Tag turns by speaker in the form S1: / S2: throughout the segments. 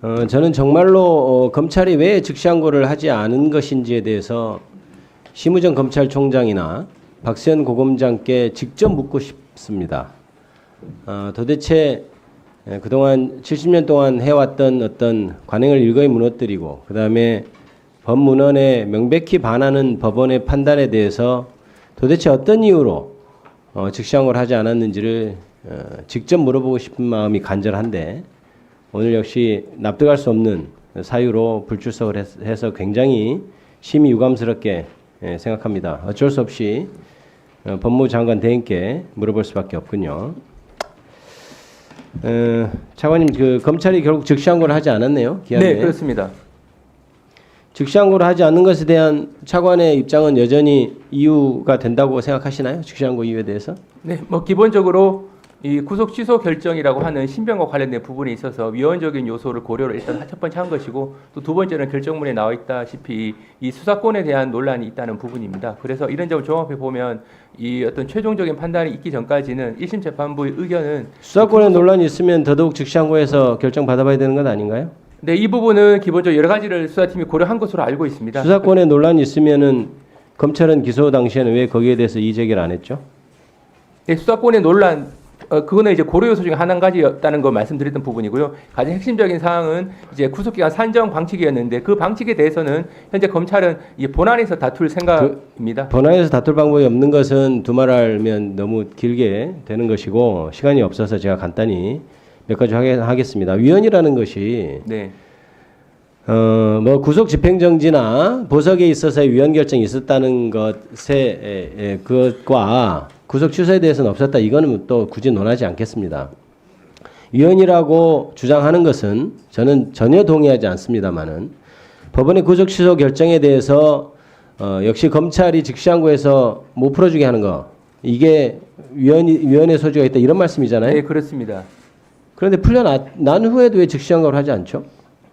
S1: 저는 정말로 검찰이 왜 즉시항고를 하지 않은 것인지에 대해서 심우정 검찰총장이나 박세현 고검장께 직접 묻고 싶습니다. 도대체 그동안 70년 동안 해왔던 어떤 관행을 일거에 무너뜨리고 그 다음에 법문헌에 명백히 반하는 법원의 판단에 대해서 도대체 어떤 이유로 즉시항고를 하지 않았는지를 직접 물어보고 싶은 마음이 간절한데 오늘 역시 납득할 수 없는 사유로 불출석을 해서 굉장히 심히 유감스럽게 생각합니다. 어쩔 수 없이 법무부 장관 대행께 물어볼 수밖에 없군요. 차관님, 그 검찰이 결국 즉시항고를 하지 않았네요. 기한에.
S2: 네, 그렇습니다.
S1: 즉시항고를 하지 않는 것에 대한 차관의 입장은 여전히 이유가 된다고 생각하시나요? 즉시항고 이유에 대해서?
S2: 네, 뭐 기본적으로 이 구속 취소 결정이라고 하는 신변과 관련된 부분에 있어서 위헌적인 요소를 고려를 일단 첫 번째 한 것이고 또 두 번째는 결정문에 나와 있다시피 이 수사권에 대한 논란이 있다는 부분입니다. 그래서 이런 점을 종합해 보면 이 어떤 최종적인 판단이 있기 전까지는 1심 재판부의 의견은
S1: 수사권에 논란이 있으면 더더욱 즉시항고해서 결정 받아봐야 되는 것 아닌가요?
S2: 네, 이 부분은 기본적으로 여러 가지를 수사팀이 고려한 것으로 알고 있습니다.
S1: 수사권에 논란이 있으면은 검찰은 기소 당시에는 왜 거기에 대해서 이의 제기를 안 했죠?
S2: 네, 수사권의 논란 그거는 이제 고려 요소 중에 한 가지였다는 걸 말씀드렸던 부분이고요. 가장 핵심적인 사항은 이제 구속기간 산정 방치기였는데 그 방치기에 대해서는 현재 검찰은 이제 본안에서 다툴 생각입니다.
S1: 본안에서 다툴 방법이 없는 것은 두말하면 너무 길게 되는 것이고 시간이 없어서 제가 간단히 몇 가지 하겠습니다. 위헌이라는 것이
S2: 네.
S1: 뭐 구속 집행정지나 보석에 있어서의 위헌 결정이 있었다는 것에 그것과 구속 취소에 대해서는 없었다. 이거는 또 굳이 논하지 않겠습니다. 위헌이라고 주장하는 것은 저는 전혀 동의하지 않습니다만은 법원의 구속 취소 결정에 대해서 역시 검찰이 즉시항고해서 못 풀어주게 하는 거 이게 위헌의 소지가 있다 이런 말씀이잖아요.
S2: 네, 그렇습니다.
S1: 그런데 풀려난 후에도 왜 즉시항고를 하지 않죠?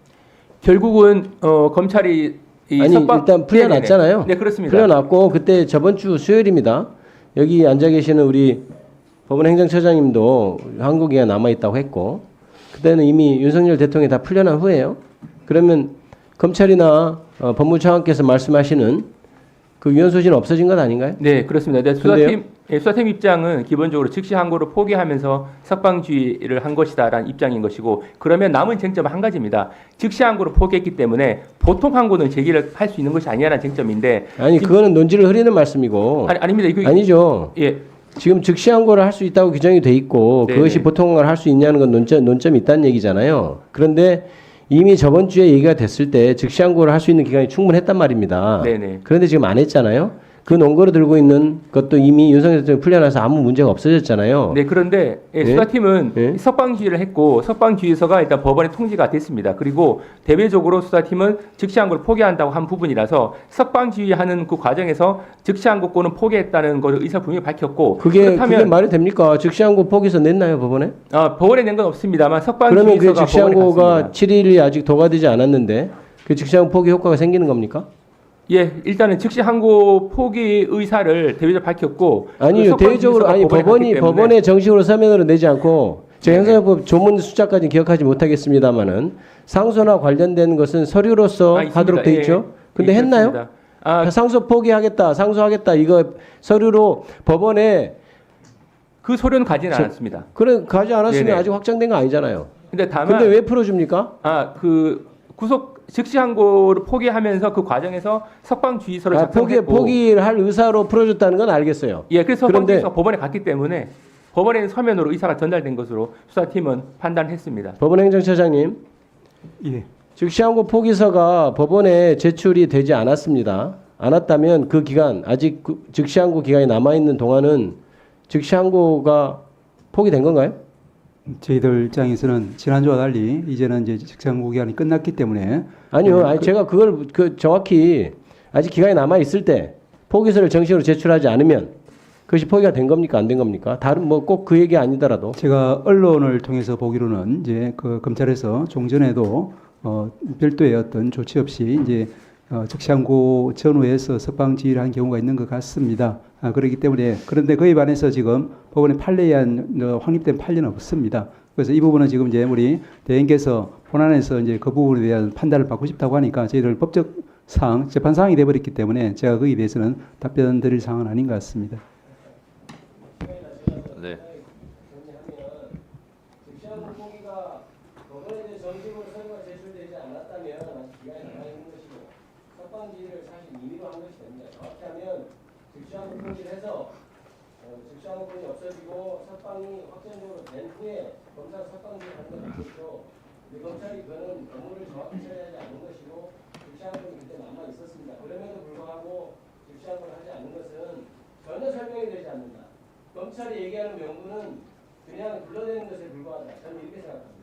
S2: 결국은 검찰이
S1: 일단 풀려났잖아요.
S2: 네, 그렇습니다.
S1: 풀려났고 그때 저번 주 수요일입니다. 여기 앉아 계시는 우리 법원 행정처장님도 항고기가 남아 있다고 했고 그때는 이미 윤석열 대통령이 다 풀려난 후에요. 그러면 검찰이나 법무부 차관께서 말씀하시는 그 위헌 소지는 없어진 것 아닌가요?
S2: 네, 그렇습니다. 네, 수사팀 입장은 기본적으로 즉시 항고를 포기하면서 석방주의를 한 것이다라는 입장인 것이고 그러면 남은 쟁점은 한 가지입니다. 즉시 항고를 포기했기 때문에 보통 항고는 제기를 할 수 있는 것이 아니라는 쟁점인데
S1: 아니 그거는 논지를 흐리는 말씀이고
S2: 아닙니다. 이거
S1: 아니죠.
S2: 예.
S1: 지금 즉시 항고를 할 수 있다고 규정이 돼 있고
S2: 네네.
S1: 그것이 보통 항고를 할 수 있냐는 건 논점이 있다는 얘기잖아요. 그런데 이미 저번 주에 얘기가 됐을 때 즉시 항고를 할 수 있는 기간이 충분했단 말입니다.
S2: 네네.
S1: 그런데 지금 안 했잖아요. 그 논거로 들고 있는 것도 이미 윤석열 대통령이 풀려나서 아무 문제가 없어졌잖아요.
S2: 네, 그런데 수사팀은 석방주의를 했고 석방주의서가 일단 법원에 통지가 됐습니다. 그리고 대외적으로 수사팀은 즉시항고를 포기한다고 한 부분이라서 석방주의하는 그 과정에서 즉시항고권은 포기했다는 것을 의사 분명히 밝혔고
S1: 그게 말이 됩니까? 즉시항고 포기서 냈나요 법원에?
S2: 법원에 낸 건 없습니다만
S1: 그러면 그
S2: 석방주의서가
S1: 즉시항고가 7일이 아직 도과되지 않았는데 그 즉시항고 포기 효과가 생기는 겁니까?
S2: 예, 일단은 즉시 항고 포기 의사를 대외적으로 밝혔고
S1: 아니요, 대외적으로 아니 법원에 정식으로 서면으로 내지 않고 제가 형사법 조문 숫자까지 기억하지 못하겠습니다만은 상소나 관련된 것은 서류로서 하도록 돼 있죠. 근데 했나요? 상소 포기하겠다, 상소하겠다 이거 서류로 법원에
S2: 그 서류는 가지는 않았습니다.
S1: 그래 가지 않았으면
S2: 네네.
S1: 아직 확정된 거 아니잖아요.
S2: 근데 다만
S1: 근데 왜 풀어줍니까?
S2: 그 구속 즉시 항고를 포기하면서 그 과정에서 석방주의서를 작성했고
S1: 포기를 할 의사로 풀어줬다는 건 알겠어요.
S2: 예, 그래서 석방주의서가 법원에 갔기 때문에 법원에는 서면으로 의사가 전달된 것으로 수사팀은 판단했습니다.
S1: 법원 행정처장님,
S3: 예.
S1: 즉시항고 포기서가 법원에 제출이 되지 않았습니다. 않았다면 그 기간 아직 즉시항고 기간이 남아 있는 동안은 즉시항고가 포기된 건가요?
S3: 저희들 입장에서는 지난주와 달리 이제는 이제 직장고 기간이 끝났기 때문에
S1: 아니요, 제가 그걸 정확히 아직 기간이 남아 있을 때 포기서를 정식으로 제출하지 않으면 그것이 포기가 된 겁니까, 안 된 겁니까? 다른 뭐 꼭 그 얘기 아니더라도
S3: 제가 언론을 통해서 보기로는 이제 그 검찰에서 종전에도 별도의 어떤 조치 없이 이제 즉시항고 전후에서 석방지휘를 한 경우가 있는 것 같습니다. 그렇기 때문에 그런데 그에 반해서 지금 법원에 판례에 한 확립된 판례는 없습니다. 그래서 이 부분은 지금 이제 우리 대행께서 본안에서 이제 그 부분에 대한 판단을 받고 싶다고 하니까 저희들 법적 사항, 재판 사항이 돼버렸기 때문에 제가 거기에 대해서는 답변 드릴 사항은 아닌 것 같습니다.
S2: 네.
S1: 즉시한 물고기가 법원에 대해 정식으로 서류가 제출되지 않았다면 아직 기간이 남아 있는 것이고 석방지를 사실 임의로 한 것이 됩니다. 정확히 하면 즉시한 물고기를 해서 즉시한 물고기 없어지고 석방이 확정적으로 된 후에 검사 석방지를 하는 건 아니죠. 근데 검찰이 그거는 업무를 정확히 처리하지 않은 것이고 즉시한 물고기 그때 남아 있었습니다. 그럼에도 불구하고 즉시한 걸 하지 않는 것은 전혀 설명이 되지 않는다. 검찰이 얘기하는 명분은 그냥 불러내는 것에 불과하다. 저는 이렇게 생각합니다.